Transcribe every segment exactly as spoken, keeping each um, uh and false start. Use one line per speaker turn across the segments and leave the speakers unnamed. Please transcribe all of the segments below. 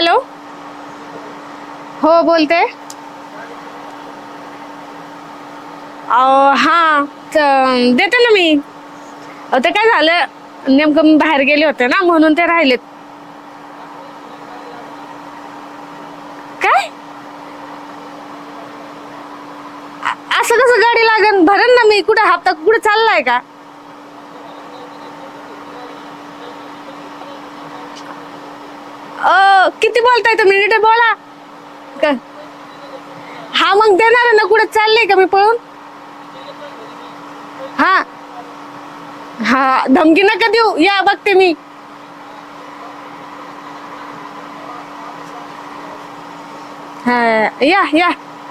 Hello. हो बोलते. हां देते ना मी. ते काय झालं नेमकं मी बाहेर गेले होते ना म्हणून ते राहिलेत. काय असं कसं गाडी लागेल भरण ना मी. कुठे हप्ता कुठे चाललाय का? अ किती बोलताय तुम्ही नीट बोला. हा मग देणार ना. कुठे चाललंय का मी पळून? हा हा धमकी नका देऊ. या बघते मी. हा या या.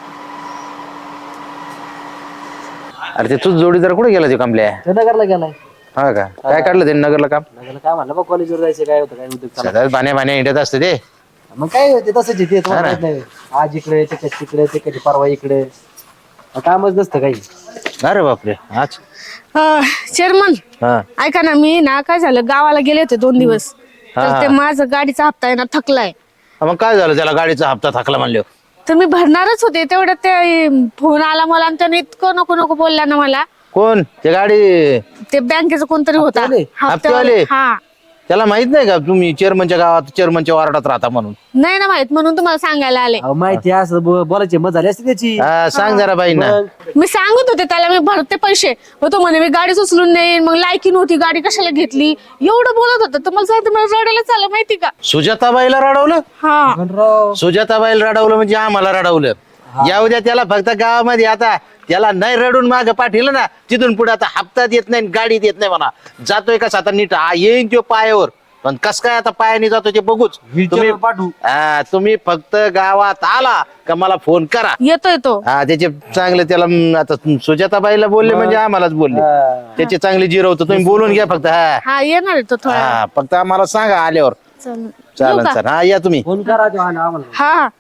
अरे ते तूच जोडीदार कुठे गेला ते कमल्या?
नगरला गेलाय.
हा का? काय काढलं ते नगरला काम?
नगरला काय म्हणलं बघ कॉलेजवर जायचं काय होतं काय उद्योग चालला.
सगळ्यात बाण्या बाण्या हिंडत असते ते.
मग काय होते तसंच येते तुम्हाला
हा
माहित नाही. आज इकडे ते कधी तिकडे ते कधी परवा इकडे कामच नसतं काही.
अरे बापरे. आज
चेअरमन
हा
ऐका ना. मी ना काय झालं गावाला गेले होते दोन दिवस.
हा,
तर
हा.
ते माझं गाडीचा हप्ता आहे ना थकलाय.
मग काय झालं त्याला? गाडीचा हप्ता थकला म्हणलो.
तर मी भरणारच होते तेवढं ते फोन आला मला आणि त्याने इतकं नको नको बोलला ना मला.
कोण? ते गाडी
ते बँकेचं कोणतरी होता
हप्तेवाले?
हप्तेवाले?
हा.
त्याला माहित नाही का तुम्ही चेअरमनच्या गावात चेअरमनच्या वार्डात राहता म्हणून?
नाही ना माहित म्हणून तुम्हाला सांगायला आले.
अहो, माहिती आहे असं बो- बोलायची मजा झाली असते त्याची.
हा, सांग जरा बाईंना.
मग
मी सांगत होते त्याला मी भरते पैसे. मग तो म्हणे मी गाडीच उचलून नेईन. मग लायकी नव्हती गाडी कशाला घेतली एवढं बोलत होतं. तर मला सांगते मला रडायला चाललं माहिती का?
सुजाताबाईला रडवलं?
हा
पण राव,
सुजाताबाईला रडवलं म्हणजे आम्हाला रडवलं. या उद्या त्याला फक्त गावामध्ये आता त्याला नाही रडून माग पाठीलं ना तिथून पुढे आता हप्ता देत नाही गाडी देत नाही म्हणा. जातोय कसा आता नीट हा येईन तो पायावर. पण कस काय आता पायाने जातो ते बघूच. तुम्ही
wheelchair वर पाठवू.
हा, तुम्ही फक्त गावात आला का मला फोन करा.
येतोय तो.
हा त्याचे चांगले त्याला म, आता सुजाताबाईला बोलले म्हणजे आम्हालाच बोलले.
हा.
त्याचे चांगले जिरवतो तुम्ही बोलून घ्या फक्त. हा
हा येणार आहे तो थोडा.
हा फक्त आम्हाला सांगा आल्यावर.
चालेल. येऊ
चालन
का?
सर. हा या तुम्ही.
फोन करा तो आला आम्हाला.
हा हा.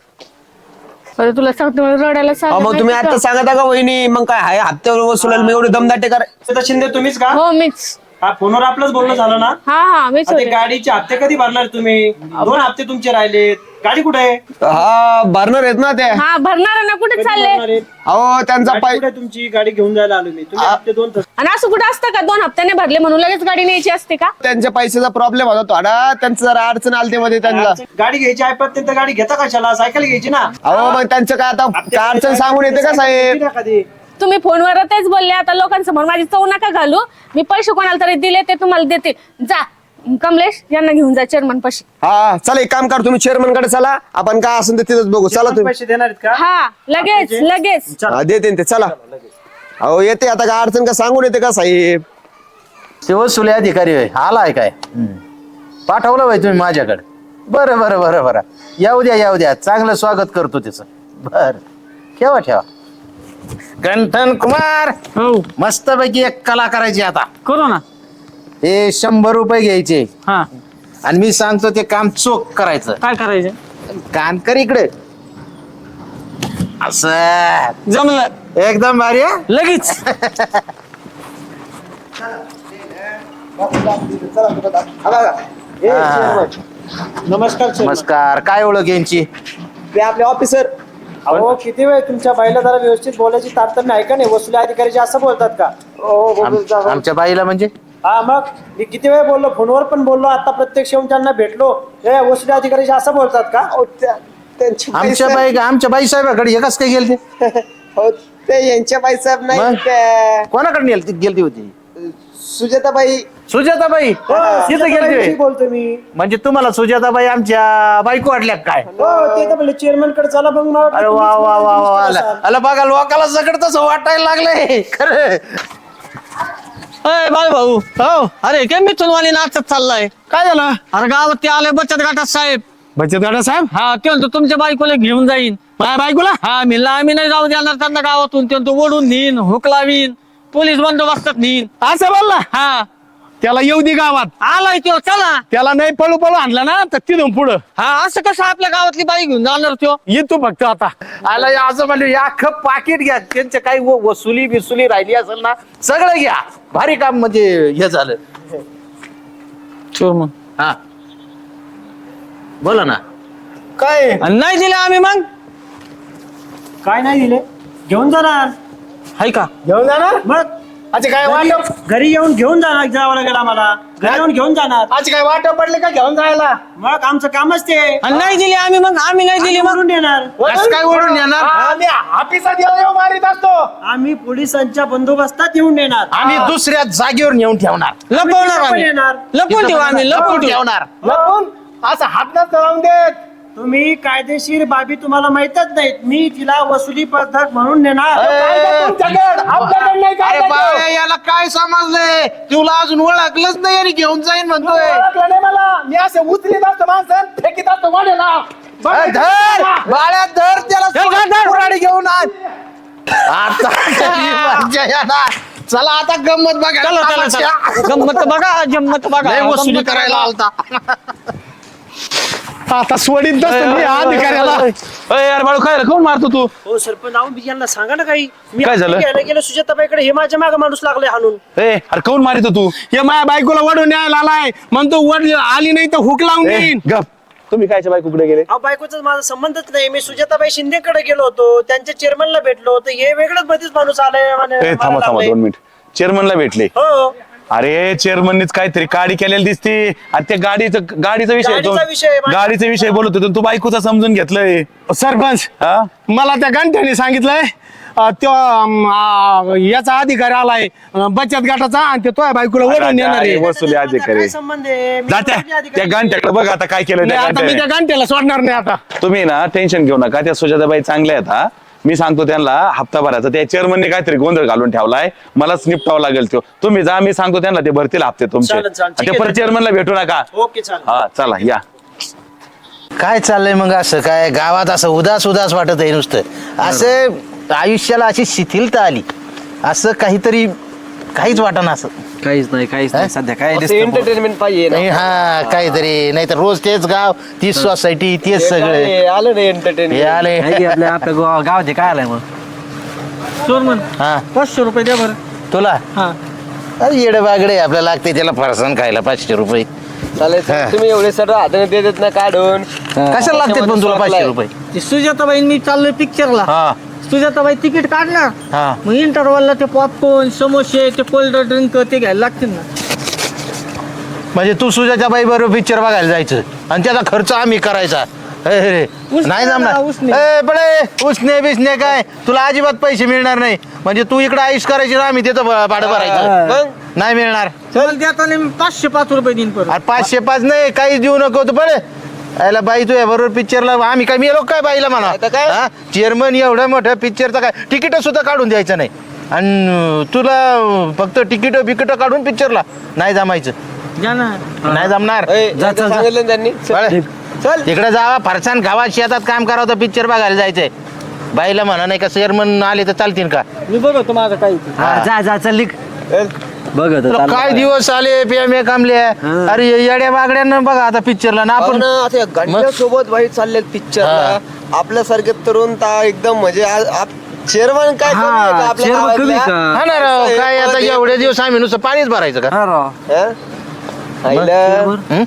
बरं, तुला सांगतो मला रडायला
अहो,
चाललं
मग तुम्ही
माहिती
आता
का?
सांगता का वहिनी मग काय आहे हप्त्यावर वसुलाल मी एवढे दमदाटे कराय.
तर शिंदे तुम्हीच का?
हो मीच.
हा फोनवर आपलंच बोलणं झालं ना?
हा हा मीच
आता ते
होते.
गाडीचे हप्ते कधी भरणार तुम्ही? दोन हप्ते तुमचे राहिलेत. गाडी कुठे आहे?
हा भरणार आहेत ना ते.
हा भरणार आहे ना. कुठे
कधी
चालले?
भरणार आहेत?
अहो त्यांचा
गाडी
पाय
कुठे आहे तुमची? गाडी घेऊन जायला आलो मी. तुम्ही हप्ते दोन तास
आणि असं कुठं असतं का दोन हप्त्याने भरले म्हणून लगेच गाडी न्यायची असते का?
त्यांच्या पैशाचा प्रॉब्लेम होता थोडा. त्यांचं जरा अडचण आलती मध्ये त्यांना.
गाडी घ्यायची आहे पण त्यांचं गाडी घेता कशाला? सायकल घ्यायची ना.
अहो मग त्यांचं काय आता काय अडचण सांगून येते का साहेब?
किती कधी
तुम्ही फोनवर तेच बोलले. आता लोकांसमोर माझी चव नका घालू. मी पैसे कोणाला तरी दिले ते तुम्हाला देते. जा कमलेश यांना घेऊन जा चेअरमन पाशी.
हा चला एक काम कर तुम्ही चेअरमन कडे चला. आपण काय असेल ते तिथंच बघू. चला तुम्ही.
पैसे देणार आहेत का?
हा लगेच लगेच.
हा, देते ना ते. चला. अहो येते आता काय अडचण का सांगून येते का साहेब?
ते वसुले अधिकारी होय. आलाय काय? हम्म. पाठवलं बाई तुम्ही माझ्याकडे. बरं बरं बरं बरं. येऊ द्या येऊ द्या. चांगलं स्वागत करतो त्याचं. बर ठेवा ठेवा. गंठन कुमार
हो
मस्त पैकी एक कला करायची आता.
करू ना.
हे शंभर रुपये घ्यायचे
हा
आणि मी सांगतो ते काम चोख करायचं.
काय करायचं?
कान कर इकडे. असं
जमलं
एकदम भारी आहे.
लगेच.
हा.
नमस्कार sir.
नमस्कार. काय ओळख यांची?
ते आपले ऑफिसर.
अहो किती वेळ तुमच्या बाईला जरा व्यवस्थित बोलायची तारतम्य आहे का नाही? वसुली अधिकारीचे असं बोलतात का?
आम- आमच्या बाईला म्हणजे?
हा मग मी किती वेळ बोललो फोनवर पण बोललो आता प्रत्यक्ष येऊन त्यांना भेटलो. हे वसुली अधिकारीचे असं बोलतात का?
त्यांचे
आमच्या बाई आमच्या बाई साहेबाकडे एकच काय गेलते?
हो ते यांच्या बाई साहेब
मग?
नाही त्या
कोणाकडे गेलती गेलती होती?
सुजाताबाई.
सुजाताबाई तिथं गेलती
ठीक
होय.
बोलतो मी.
म्हणजे तुम्हाला सुजाताबाई आमच्या बायको वाटल्या काय?
हो ते तर बोलले चेअरमॅन कडे चला मग मला वाटलं
अरे वा
तुम्हीच
वा वा वा
बोलायचं
आला
असाल.
आला बघा लोकाला सगळं तसं वाटायला लागलंय खरं.
अय बाय भाऊ हो अरे काय मिथूनवाणी नाचत चाललाय.
काय झालं?
अरे गावात ते आले बचत गटात साहेब.
बचत गटा साहेब?
हा ते म्हणतो तुमच्या बायकोला घेऊन जाईन.
माझ्या बायकोला?
हा म्हणलं आम्ही नाही जाऊ देणार त्यांना गावातून. ते म्हणतो ओढून नेईन हुक लावीन पोलीस बंदोबस्तात नेईन.
असं बोलला?
हा
त्याला येऊ दे गावात.
आलाय तो चला.
त्याला नाही पळू पळू आणला ना तर तिथून पुढं
हा असं कसं आपल्या गावातली बाई घेऊन जाणार तो.
ये तू फक्त आता. आला या असं म्हणलं या अख्खं पाकिट घ्या. त्यांच्या काही व- वसुली बिसुली राहिली असेल ना सगळं घ्या. भारी काम म्हणजे हे झालं.
चोर मग
हा बोला ना.
काय
आणि नाही दिले आम्ही मग
काय नाही दिले घेऊन जाणार
हाय का
घेऊन जाणार मग अच्छा काय वाटप घरी येऊन घेऊन जाणार जावं लागेल आम्हाला घरी येऊन घेऊन जाणार आज काय वाटप पडले का घेऊन जायला मग आमचं कामच ते
आणि नाही दिली आम्ही मग आम्ही नाही दिली मग
करून देणार
कसं काय ओढून येणार
आम्ही ऑफिसात येऊ मारित असतो आम्ही पोलिसांच्या बंदोबस्तात येऊन देणार
आम्ही दुसऱ्या जागेवर नेऊन ठेवणार
लपवणार आम्ही
येणार
लपवून ठेवू आम्ही लपवून ठेवू
ठेवणार
लपून असं हात न लावून देत तुम्ही कायदेशीर बाबी तुम्हाला माहितच नाहीत मी तिला वसुली पद्धत म्हणून नेणार
अरे बाळा, याला काय समजलंय तुला अजून ओळखलंच नाही आणि घेऊन जाईन म्हणतोय
मला मी असं उचलीत असतो माणसं फेकीत असतो वाढेला
अरे धर बाळ्या धर त्याला कुऱ्हाडी घेऊन आण आता कधी मजा येणार. चला आता गंमत बघा
चला चला चला गंमत बघा जम्मत बघा
लय वसुली
गंमत
करायला आलता
आता सोडीत मी अधिकाऱ्याला
यार बाळू काय कोण मारतो तू
हो सरपंच नाव मी यांना सांगा ना काही मी
काय झालं?
घ्यायला गेलो सुजाताबाईकडे हे माझ्या मागे माणूस लागले हाणून
ए अरे कोण मारितो तू
हे माझ्या बायकोला वडून न्यायला आलाय म्हणतो वड आली नाही तर हुक लावून देईन
गप तुम्ही कायच्या बायकोकडे गेले
अहो बायकोचा माझा संबंधच नाही मी सुजाताबाई शिंदेकडे गेलो होतो त्यांच्या चेअरमनला भेटलो होतो हे वेगळंच मध्येच माणूस आलाय म्हणे,
ए
मला
थांबा थांबा
लागलंय.
दोन मिनिट चेअरमनला भेटले
हो
अरे चेअरमननीच काहीतरी गाडी केलेली दिसते आणि त्या गाडीचं गाडीचा विषय आहे तो.
गाडीचा विषय आहे, माझ्या-
गाडीचा विषय बोलत होतो तू बायकोचा समजून घेतलंय
सरपंच
हा
मला त्या गंठ्याने सांगितलंय अं, त्यो अं, आ, याचा अधिकारी आलाय अं, बचत गटाचा आणि ते तो बायकोला वडून येणार आहे
अरे, वसुली
माझा
अधिकारी
काय संबंध आहे मी
जात्या
वसुली अधिकारी
त्या गांठ्याकडे बघ आता काय केलं
नाही,
त्या
आता मी
गांठ्याने.
त्या गंठ्याला सोडणार नाही आता
तुम्ही ना टेन्शन घेऊ नका त्या सुजाताबाई चांगल्या आहेत हा मी सांगतो त्यांना हप्ताभराचा त्या चेअरमनने काहीतरी गोंधळ घालून ठेवलाय मलाच निपटावं लागेल तो तुम्ही जा मी सांगतो त्यांना ते भरतील हप्ते तुमचे
चालेल, चालेल. ठीक
ते
आहे,
परत
ठीक
चेअरमनला भेटू नका
ओके चालेल
हा चला या
काय चाललंय मग असं काय गावात असं उदास उदास वाटत आहे नुसतं असं आयुष्याला अशी शिथिलता आली असं काहीतरी काहीच वाटणं असं
काहीच नाही काहीच नाही सध्या काय
एंटरटेनमेंट पाहिजे ना.
नाही हा काहीतरी नाही तर रोज तेच गाव तीच सोसायटी तेच सगळे
हे आलं ना
हे
एंटरटेनमेंट
आले
काय की आपल्या आपल्या गाव- गावात हे काय आलंय मग
चोरमन
हा
पाचशे रुपये द्या बरं
तुला
हा
येडे बागडे आपल्याला लागते त्याला फरसाण खायला पाचशे रुपये
चालेल
हा.
तुम्ही एवढे सर्व हाताने देत आहेत ना काढून
कशाला लागते पण तुला पाचशे रुपये
ते सुजाताबाई मी चाललोय पिक्चरला
हा
सुजाताबाई तिकीट काढणार
हा
मग इंटरवलला ते पॉपकॉर्न समोसे ते कोल्ड ड्रिंक ते घ्यायला लागतील ना
म्हणजे तू सुजाच्या बाई बरोबर पिक्चर बघायला जायचं आणि त्याचा खर्च आम्ही करायचा ए रे,
उसने
नाही
ना,
जमणार
उसने.
ए, बडे उसने बिसने काय तुला अजिबात पैसे मिळणार नाही म्हणजे तू इकडे आयुष करायची ना आम्ही तिथं भ- भाडं भरायचं
मग
नाही मिळणार
मला देताना मी पाचशे पाच रुपये देईन परत
अरे पाचशे पाच नाही काहीच देऊ नको तू बडे याला बाई तू बरोबर पिक्चरला आम्ही काय मेलो काय बाईला म्हणा
आता काय?
हा? चेअरमन एवढ्या मोठ्या पिक्चरचा काय तिकीट सुद्धा काढून द्यायचं नाही आणि तुला फक्त तिकीट बिकीट काढून पिक्चरला नाही जमायचं
द्या ना
नाही जमणार
ए,
जा, चल, जा.
सांगितलं ना त्यांनी
बळे, तिकडे जावा फरसान गावात शेतात काम करावं तर पिक्चर बघायला जायचंय बाईला म्हणा नाही का चेअरमन आले तर चालतील का
मी बघतो माझं काही ते.
हा, जा जा चल लिख बघ आता,
तुला
चाललं
काय
काय.
दिवस आले पियामे कामले अरे येड्या बागड्यांना बघा आता पिक्चरला ना
आपण
आपण
आता या घंट्या सोबत भाई चालले पिक्चरला आपल्यासारखे तरुण ता एकदम म्हणजे चेअरमन काय कमी आहे का
हा,
आपल्या
chairman कमी
गावातल्या?
का?
हा ना राव
असं
काय
आहे,
आता
पण
एवढे दिवस आम्ही नुसतं पाणीच भरायचं का
हा राव.
हा? आईला.
हं?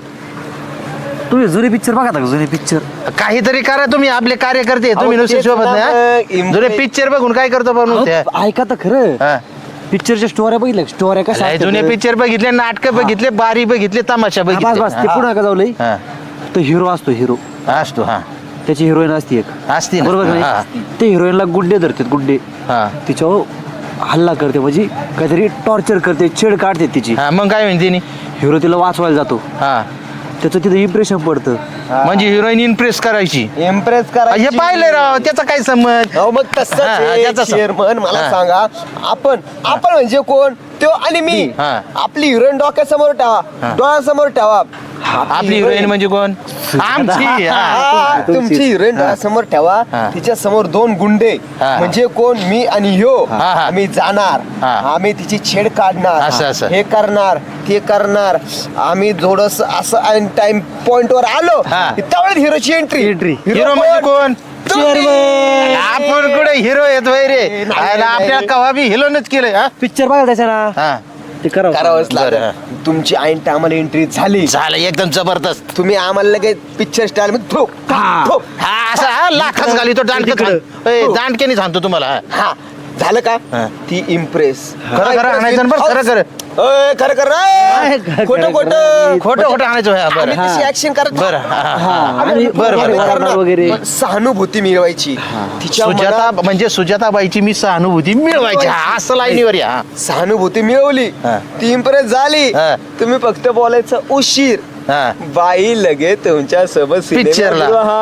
तुम्ही जुने पिक्चर बघा का जुने पिक्चर
काहीतरी करा तुम्ही आपले कार्यकर्ते तुम्ही
अहो,
नुसते
तेच
सोबत
ना
नाही
मग,
हा? जुने पिक्चर बघून काय करतो पण नुसते
ऐका तर खरं
हा.
पिक्चरच्या स्टोऱ्या बघितल्या स्टोऱ्या कशा
लय
असतात?
जुने पिक्चर बघितले नाटक बघितले बारी बघितले तमाशा
हा, बस
बघितले
बस ते पुन्हा का जाऊ लई
हा.
तो हिरो असतो हिरो
हा, असतो हा
त्याची हिरोईन असते एक
असती ना.
बरोबर का
हा.
नाही? ते हिरोईनला गुड्डे धरतात गुड्डे
हा
तिच्यावर हल्ला करते म्हणजे काहीतरी टॉर्चर करते छेड काढते तिची
हा मग काय म्हणते नी?
हिरो तिला वाचवायला जातो
हा
त्याचं तिथं इम्प्रेशन पडतं
म्हणजे हिरोईन इम्प्रेस करायची
इम्प्रेस करा
हे पाहिलंय राव त्याचा काय संबंध
हो मग तसंच
हा, हा,
आहे,
त्याचा सम-
चेअरमन मला
हा.
सांगा आपण आपण म्हणजे कोण तो आणि मी
हा.
आपली हिरोईन डोक्यासमोर ठेवा
हा.
डोळ्यासमोर ठेवा
आपली हिरोईन म्हणजे कोण आमची हा.
हा, तुमची हिरोईन डोळ्यासमोर ठेवा
हा.
तिच्या समोर दोन गुंडे
हा.
म्हणजे कोण मी आणि ह्यो
हा, हा.
आम्ही जाणार
हा.
आम्ही तिची छेड काढणार
असं, असं.
हे करणार ते करणार आम्ही थोडस असं टाइम पॉइंट वर आलो
हा.
त्यावेळेस हिरोची एंट्री
Entry.
हिरो म्हणजे कोण
चेअरमन
आपण कुठे हिरो येत वय रे
नाही,
आयला
नाही,
आपल्या
नाही.
कवा बी हिरोनच केलंय हा
पिक्चर बघा त्याच्या ना
हा
ते करावं
करावंच लागेल
बरं.
तुमची ऐन टायमाला एंट्री झाली
झालं एकदम जबरदस्त.
तुम्ही आम्हाला लगेच पिक्चर स्टाईल मध्ये ठोक ठोक.
हा असा हा लाखच घाली तो दांडके दांडकेने सांगतो तुम्हाला हा.
हा झालं का
हा.
ती इम्प्रेस
खरं खरं आणायचं बरं खरं खरं
खरं खरं खोटं खोटं
खोटं खोटं आणायचं हा,
आम्ही
बरं
तशी ऍक्शन करत
बरं हा, हा, हा.
आम्ही
बरं, बरं,
बरं,
बरं,
बरं,
वगैरे.
पण सहानुभूती मिळवायची तिच्या
सुजाता
मनात
म्हणजे सुजाताबाईची मी सहानुभूती मिळवायची हा, असं लाईनीवर या हा.
सहानुभूती मिळवली
हा.
ती इम्प्रेस झाली
हा.
तुम्ही फक्त बोलायचं उशीर
हा.
बाई लगे तुमच्या सोबत
पिक्चरला.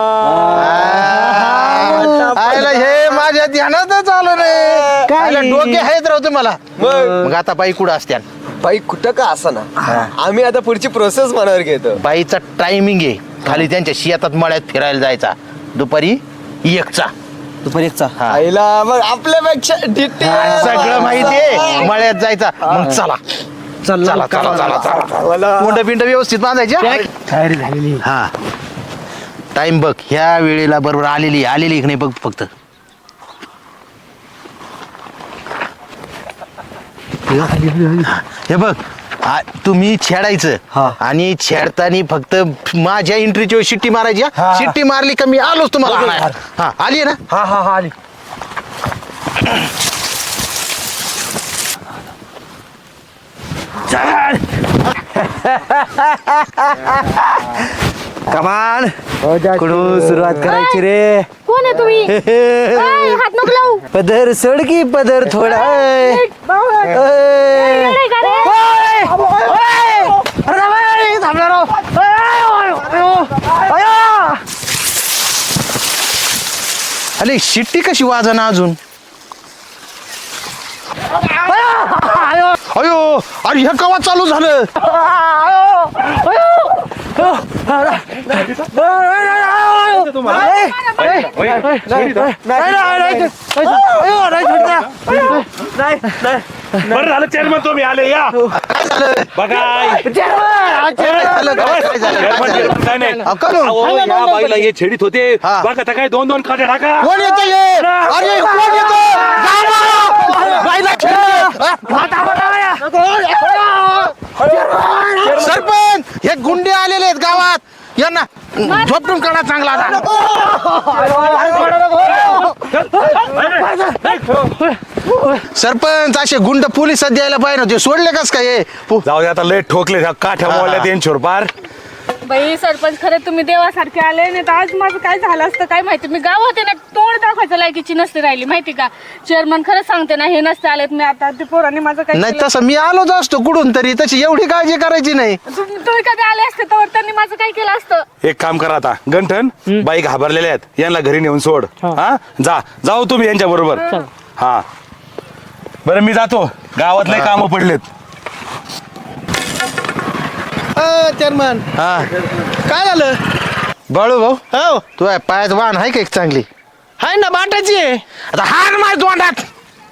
आयला हे माझ्या ध्यानातच आलं रे आयला डोके आहेत राहतो मला
मग
मग आता बाई कुठं असत्या
बाई कुठं का असा ना आम्ही आता पुढची प्रोसेस मनावर घेतो
बाईचा टायमिंग आहे खाली त्यांच्या शेतात मळ्यात फिरायला जायचा दुपारी एकचा
दुपारी एकचा
हा.
आईला मग आपल्यापेक्षा डिटेल
सगळं माहितीये मळ्यात जायचा मग चला चला चला चला चला मुंड पिंड व्यवस्थित बांधायच्या
तयारी झालेली.
हा टाइम बघ ह्या वेळेला बरोबर आलेली आलेली की नाही बघ फक्त हे बघ आ- तुम्ही छेडायचं आणि छेडताना फक्त माझ्या एंट्रीची शिट्टी मारायची हा. शिट्टी मारली का मी आलोच तुम्हाला आणायला. हा आली ना
हा हा हा आली.
कमान कुठून सुरुवात करायची रे
कोण आहे तुम्ही ऐ, हात नको लावू.
पदर सोड की पदर थोडा ऐ. ऐ.
येडे का रे?
अरे शिट्टी कशी वाजना अजून अयो अरे हे कवा चालू झालं
बरं झालं चेअरमन तुम्ही आले या बघा
झालं? काय झालं? काय झालं?
काय नाही
अहो, का नो?
अहो, या बाईला हे छेडीत होते
हा.
बघा आता काय दोन दोन खाते टाका
कोण येतं हे? अरे कोण येतं? गावा! बाईला खेळ! सरपंच हे गुंडे आलेले आहेत गावात यांना झोपटून काढा चांगला आता. सरपंच असे गुंड पोलिसात द्यायला पाहिजे नव्हते सोडले कस काय पो-
जाऊ दे आता लय ठोकले काठ्या मोल्या त्यांच्यावर पार
बाई सरपंच खरे तुम्ही देवासारखे आले नाही तर आज माझं काय झालं असतं काय माहिती मी गाव होते ना तोंड दाखवायचं लायकीची नसते राहिली माहिती का चेअरमन खरं सांगते ना हे नसते आलेत मी आता ते पोरांनी माझं काय
नाही
केलं?
तसं मी आलोच असतो कुठून तरी तशी एवढी काळजी करायची नाही
तुम- तुम्ही कधी आले असते तर त्यांनी माझं काय केलं असतं
एक काम करा आता गंठन बाई घाबरलेल्या आहेत यांना घरी नेऊन सोड हा जा जाऊ तुम्ही यांच्या बरोबर हा बरं मी जातो गावातले काम पडलेत
चेअरमन
हा
काय झालं
बाळू भाऊ
हो
तू आहे पायात वाहन आहे का एक चांगली
हाय ना बाटाची आहे
आता हार मार तोंडात